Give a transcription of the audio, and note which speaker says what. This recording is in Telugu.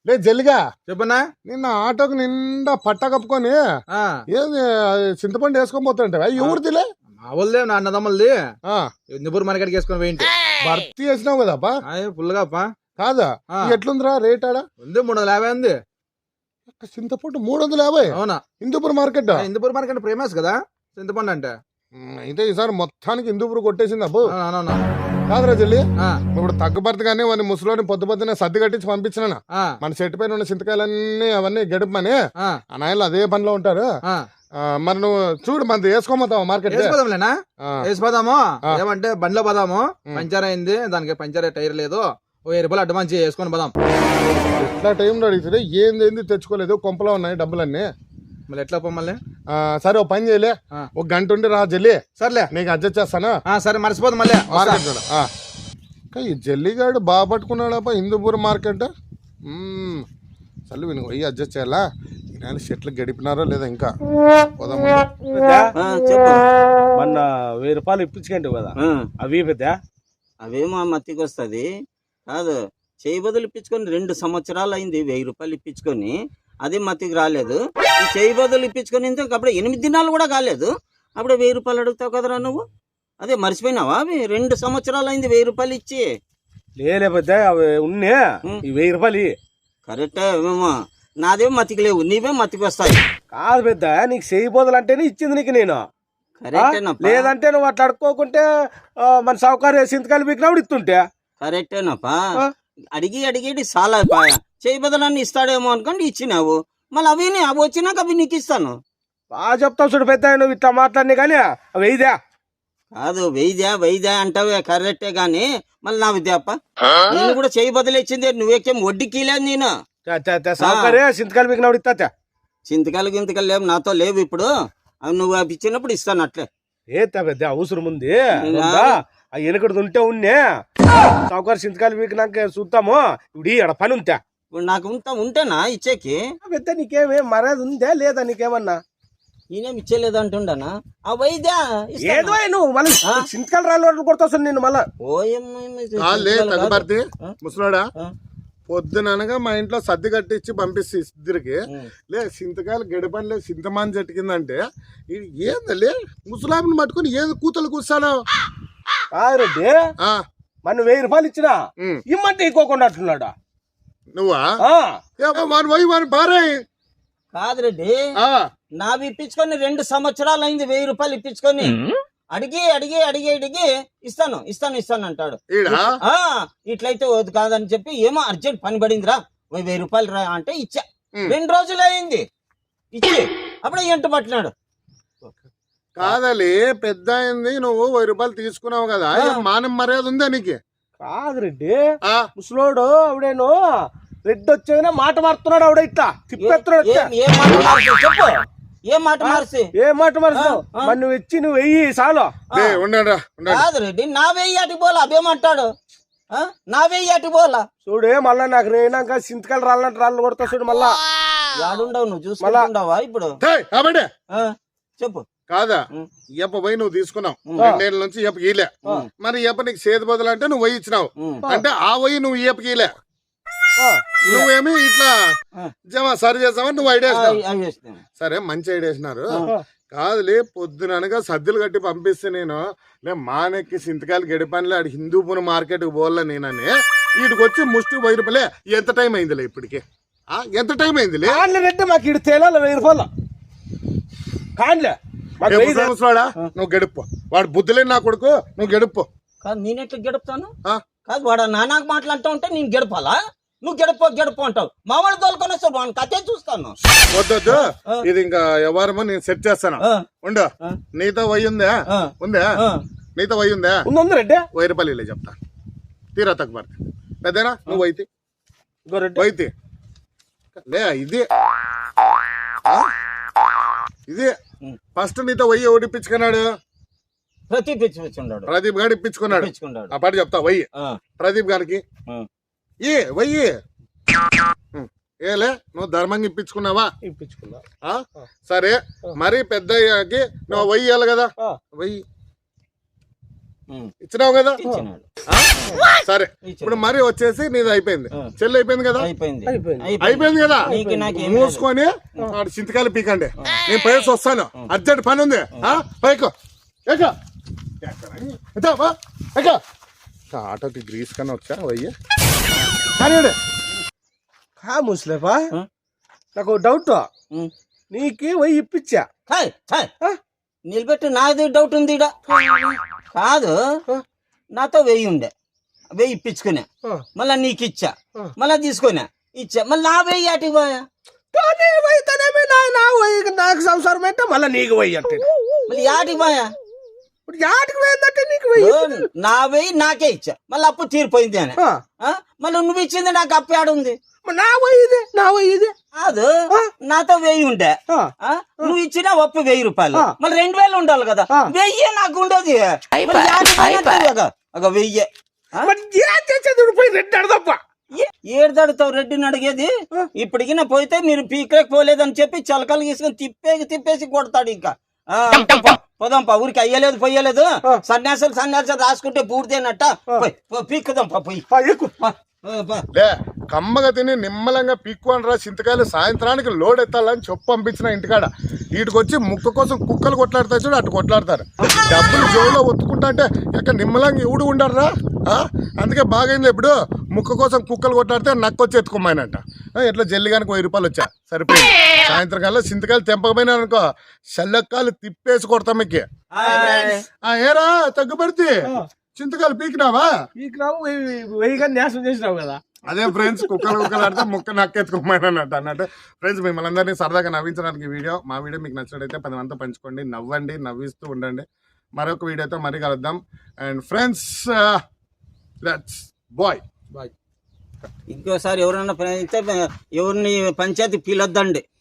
Speaker 1: లేదు జల్లిగా
Speaker 2: చెప్పనా
Speaker 1: నిన్న ఆటోకి నిండా పట్ట కప్పుకొని ఏది చింతపండు వేసుకొని పోతుంటే ఎవరిదిలే
Speaker 2: మా వాళ్ళే నా అన్నదమ్ములది నిబుర్ మార్కెట్కి వేసుకొని పోయింటి
Speaker 1: భర్తీ చేసినావు కదప్పా
Speaker 2: ఫుల్గా
Speaker 1: కాదా ఎట్లుందిరా రేట్ ఆడ
Speaker 2: ఉంది 350 ఉంది
Speaker 1: చింతపండు 350.
Speaker 2: అవునా
Speaker 1: Hindupur market
Speaker 2: Hindupur market famous కదా చింతపండు అంటే.
Speaker 1: అయితే ఈసారి మొత్తానికి హిందూపూర్ కొట్టేసింది అబ్బు
Speaker 2: అవునవునా
Speaker 1: కాదురా జల్లి ఇప్పుడు తగ్గుబర్తగానే వాడిని ముసలోని పొద్దునే సర్ది కట్టించి పంపించిన మన చెట్టు పైన ఉన్న చింతకాయలన్నీ అవన్నీ గడుపమని ఆ నాయనలు అదే పనిలో ఉంటారు. మరి నువ్వు చూడు మనది వేసుకోమంటావా మార్కెట్
Speaker 2: వేసిపోదాము ఏమంటే బండిలో పోదాము పంచర్ అయింది దానికి పంచర్ టైర్ లేదు 1000 రూపాయలు అడ్వాన్స్ చేసుకొని పోదాం.
Speaker 1: ఎట్లా టైంలో అడిగితే ఏంది తెచ్చుకోలేదు కొంపలో ఉన్నాయి డబ్బులన్నీ
Speaker 2: మళ్ళీ ఎట్లా మళ్ళీ
Speaker 1: సరే ఓ పని చేయలే ఒక గంట ఉండి రా జల్లి
Speaker 2: సర్లే
Speaker 1: నీకు అడ్జస్ట్ చేస్తాను
Speaker 2: సరే మర్చిపోదు మళ్ళీ
Speaker 1: మార్కెట్ ఈ జల్లిగాడు బాగా పట్టుకున్నాడప్ప హిందూపూర్ మార్కెట్ చల్లు విను పోయి అడ్జస్ట్ చేయాలా నేను చెట్లు గడిపినారో లేదా ఇంకా
Speaker 3: మొన్న 1000 రూపాయలు ఇప్పించుకోండి కదా అవి పెద్ద
Speaker 4: అవేమో మత్తికి వస్తుంది కాదు చేయి బదులు ఇప్పించుకొని 2 సంవత్సరాలు అయింది 1000 రూపాయలు ఇప్పించుకొని అది మత్తికి రాలేదు. ఈ చేయి బదులు ఇప్పించుకొని అప్పుడు 8 దినాలు కూడా కాలేదు అప్పుడు 1000 రూపాయలు అడుగుతావు కదరా నువ్వు. అదే మర్చిపోయినావా అవి 2 సంవత్సరాలు అయింది 1000 రూపాయలు ఇచ్చి
Speaker 3: లేలే పెద్ద అవి ఉన్నే ఈ 1000 రూపాయలు
Speaker 4: కరెక్టే ఏమేమో నాదేమో మతికి లేవు నీవే మతికి వస్తాయి.
Speaker 3: కాదు పెద్ద నీకు చేయి బదులు అంటేనే ఇచ్చింది నీకు నేను లేదంటే నువ్వు అట్లా అడుక్కోకుంటే మన సౌకర్యం సింతకాయలు పీకినప్పుడు ఇస్తుంటే
Speaker 4: కరెక్టేనప్పా అడిగి అడిగేటి చాలా చేయి బదులన్నీ ఇస్తాడేమో అనుకోండి ఇచ్చినావు మళ్ళీ అవి వచ్చినాక అవి నీకు ఇస్తాను.
Speaker 3: బాగా చెప్తావు చూడు పెద్ద నువ్వు ఇట్లా మాట్లాడినా కానీ వెయ్యిదా
Speaker 4: కాదు వెయ్యిదా అంటావే కరెక్టే గాని మళ్ళీ నా విద్యాప్ప నేను కూడా చేయి బదులు ఇచ్చింది నువ్వేకేం వడ్డీకి లేదు నేను
Speaker 3: సౌకర్యం సింతకాయలు పీకినప్పుడు ఇస్తా
Speaker 4: చింతకాయలు గింతకాయలు లేవు నాతో లేవు ఇప్పుడు అవి నువ్వు అవి ఇచ్చినప్పుడు ఇస్తాను అట్లే
Speaker 3: ఏతా పెద్ద అవసరం ఉంది ఆ వెనుకడు ఉంటే ఉన్నే సౌకర్యం సింతకాయలు పీకినాక చూద్దాము ఇప్పుడు అక్కడ పని ఉందా
Speaker 4: ఇప్పుడు నాకు ఉంటేనా ఇచ్చేకి
Speaker 3: పెద్ద నీకేమే మర్యాద ఉందా లేదా నీకేమన్నా
Speaker 4: నేనేం ఇచ్చేలేదు అంటుండనా ఆ వైద్యా
Speaker 3: ఏదో నువ్వు మళ్ళీ సింతకాయలు రాళ్ళు కొడతావు నేను మళ్ళా
Speaker 1: తగ్గుబర్తి ముసలాడా పొద్దుననగా మా ఇంట్లో సర్ది కట్టించి పంపిస్తే ఇద్దరికి లే సింతకాయలు గడిపని లేదు సింతమాన్ చెట్టు కిందంటే ఏందలే ముసలామిని పట్టుకుని ఏది కూతలు కూర్చాను
Speaker 3: రెడ్డి మన 1000 రూపాయలు ఇచ్చినా ఇమ్మంటే ఇంకోకుండా అంటున్నాడా
Speaker 1: నువ్వా వాని భార్య
Speaker 4: కాదు రెడ్డి నావి ఇప్పించుకొని 2 సంవత్సరాలు అయింది 1000 రూపాయలు ఇప్పించుకొని అడిగి అడిగి అడిగి అడిగి ఇస్తాను అంటాడు. ఇట్లయితే వద్దు కాదని చెప్పి ఏమో అర్జెంట్ పని పడిందిరా 1000 రూపాయలు రా అంటే ఇచ్చా 2 రోజులు అయింది ఇచ్చి అప్పుడే ఎంట పట్టినాడు.
Speaker 1: కాదలి పెద్ద అయింది నువ్వు 1000 రూపాయలు తీసుకున్నావు కదా మానం మర్యాద ఉందా నీకు?
Speaker 3: కాదు రెడ్డి ముసలోడు ఆవిడేను రెడ్డి వచ్చేదనే మాట మారుతున్నాడు ఆవిడ ఇట్లా తిప్పెత్తున్నాడు
Speaker 4: చెప్పు ఏ మాట మార్చి
Speaker 3: మరి నువ్వు ఇచ్చి నువ్వు వెయ్యి చాలు
Speaker 4: కాదు రెడ్డి నా వెయ్యి అటు పోలా అవేమంటాడు నా వెయ్యి అటు పోలా
Speaker 3: చూడు మళ్ళా నాకు రేనాక సింతకాయలు రాళ్ళంటే రాళ్ళు కొడతా చూడు మళ్ళా
Speaker 4: యాడుండవు నువ్వు చూసుకుంటావా ఇప్పుడు చెప్పు
Speaker 1: కాదా ఇయ్యప్ప పోయి నువ్వు తీసుకున్నావు 2 ఏళ్ళ నుంచి ఇయ్యప్ప గీలే మరి ఇయ్యప్ప నీకు చేతి బదులు అంటే నువ్వు వయ్యి ఇచ్చినావు అంటే ఆ వయ్యి నువ్వు ఇయ్యప్ప గీలే నువ్వేమి ఇట్లా జమా సరి చేస్తావని నువ్వు ఐడియా సరే మంచి ఐడియా వేసినారు కాదులే పొద్దుననగా సద్దులు కట్టి పంపిస్తే నేను మానెక్కి సింతకాయలు గడిపనిలే ఆడు హిందూపూర్ మార్కెట్కి పోలే నేనని వీటికి వచ్చి ముష్టి 1000 రూపాయలే ఎంత టైం అయిందిలే ఇప్పటికి ఎంత టైం అయిందిలే
Speaker 3: మాకు ఇటు తేలాలి 1000 రూపాయలు కానిలే
Speaker 1: నువ్వు గడుపు వాడు బుద్ధులేని నా కొడుకు నువ్వు గడుపు
Speaker 4: కాదు నేనెట్లా గడుపుతాను కాదు వాడు నాన్నకు మాట్లాడుతూ ఉంటే నేను గడపాలా నువ్వు గడప అంటావు మామూలు తోలుకొని వస్తావు వాడిని కథే చూస్తాను
Speaker 1: వద్దొద్దు ఇది ఇంకా ఎవరమో నేను సెట్ చేస్తాను ఉండు నీతో వయ్యి ఉందా నీతో వయ్యి ఉందా
Speaker 3: రెడ్డి
Speaker 1: 1000 రూపాయలు ఇలే చెప్తా తీరా తక్కువ పెద్దనా నువ్వు వైతే లే ఇది ఫస్ట్ నీతో వయ్యి ఓడిపించుకున్నాడు ప్రదీప్ గారు ఇప్పించుకున్నాడు ఆ పాట చెప్తా వయ్యి ప్రదీప్ గారికి వయ్యి ఏలే నువ్వు ధర్మంగా ఇప్పించుకున్నావా సరే మరి పెద్దయ్యాకి నువ్వు వయ్యాలి కదా వయ్యి ఇచ్చినావు కదా
Speaker 4: ఇచ్చినాడు.
Speaker 1: సరే ఇప్పుడు మరి వచ్చేసి నీది అయిపోయింది చెల్లి అయిపోయింది కదా
Speaker 4: అయిపోయింది
Speaker 1: అయిపోయింది కదా
Speaker 4: నీకు నాకేం
Speaker 1: మూసుకొని ఆడు చింతకాయలు పీకండి నేను పైకి వస్తాను అర్జెంట్ పని ఉంది పైకో ఆటోకి గ్రీస్ కన్నా వచ్చా వయ్య కానీ
Speaker 3: కా ముసలేపా నాకు డౌట్ నీకు పోయి ఇప్పించా
Speaker 4: హాయ్ హాయ్ నిలబెట్టి నాది డౌట్ ఉంది ఈడ. కాదు నాతో 1000 ఉండే 1000 ఇప్పించుకున్నా మళ్ళా నీకు ఇచ్చా మళ్ళా తీసుకున్నా ఇచ్చా మళ్ళీ నా 1000 ఆటికి పోయా
Speaker 3: నాకు సంసారం అంటే మళ్ళీ నీకు పోయి అంటే
Speaker 4: మళ్ళీ ఆటికి పోయా
Speaker 3: ఇప్పుడు యాటికి పోయిందంటే నీకు పోయి
Speaker 4: నా 1000 నాకే ఇచ్చా మళ్ళీ అప్పు తీరిపోయింది అని మళ్ళీ నువ్వు ఇచ్చింది నాకు అప్పు ఆడుంది
Speaker 3: నా పోయి
Speaker 4: కాదు నాతో 1000 ఉండే నువ్వు ఇచ్చిన అప్పు 1000 రూపాయలు మళ్ళీ 2000 ఉండాలి కదా 1000 నాకు ఉండదు 1000
Speaker 3: రెడ్డి అడదప్ప
Speaker 4: ఏడుదాడుతావు రెడ్డిని అడిగేది ఇప్పటికి నా పోతే మీరు పీకలేక పోలేదని చెప్పి చలకలు తీసుకొని తిప్పేసి కొడతాడు ఇంకా పోదాంపా ఊరికి అయ్యలేదు పొయ్యలేదు సన్యాసాలు రాసుకుంటే పూర్తయినట్ట పీక్కుదాంపా పోయి
Speaker 1: లే కమ్మగా తిని నిమ్మలంగా పీక్కొని రా చింతకాయలు సాయంత్రానికి లోడ్ ఎత్తాలని చెప్పు పంపించిన ఇంటికాడ వీటికొచ్చి ముక్క కోసం కుక్కలు కొట్లాడతాయి చూడు అటు కొట్లాడతారు డబ్బులు జోలో ఒత్తుకుంటా అంటే ఎక్కడ నిమ్మలంగా ఎవడు ఉండరా అందుకే బాగైంది ఇప్పుడు ముక్క కోసం కుక్కలు కొట్లాడితే నక్కొచ్చి ఎత్తుకోమాయనంట ఎట్లా జల్లిగానికి 1000 రూపాయలు వచ్చా సరిపోయింది సాయంత్రం కల్లా చింతకాయలు తెంపకపోయినా అనుకో చల్లకాయలు తిప్పేసి కొడతాం మీకు ఏరా తగ్గుపడితే చింతకాయలు పీకినావా
Speaker 3: పీకినావు వెయ్యిగా న్యాసం చేసినావు కదా
Speaker 1: అదే ఫ్రెండ్స్ కుక్కలు ఆడితే ముక్క నక్కెత్తుకోమన్నట్టు అన్నట్టు ఫ్రెండ్స్ మిమ్మల్ని అందరినీ సరదాగా నవ్వించడానికి వీడియో మా వీడియో మీకు నచ్చినట్టయితే 10 మంది పంచుకోండి నవ్వండి నవ్విస్తూ ఉండండి మరొక వీడియోతో మరీ కలుద్దాం అండ్ ఫ్రెండ్స్ లెట్స్ బాయ్
Speaker 4: ఇంకోసారి ఎవరన్నా ఎవరిని పంచాయతీ పిలొద్దండి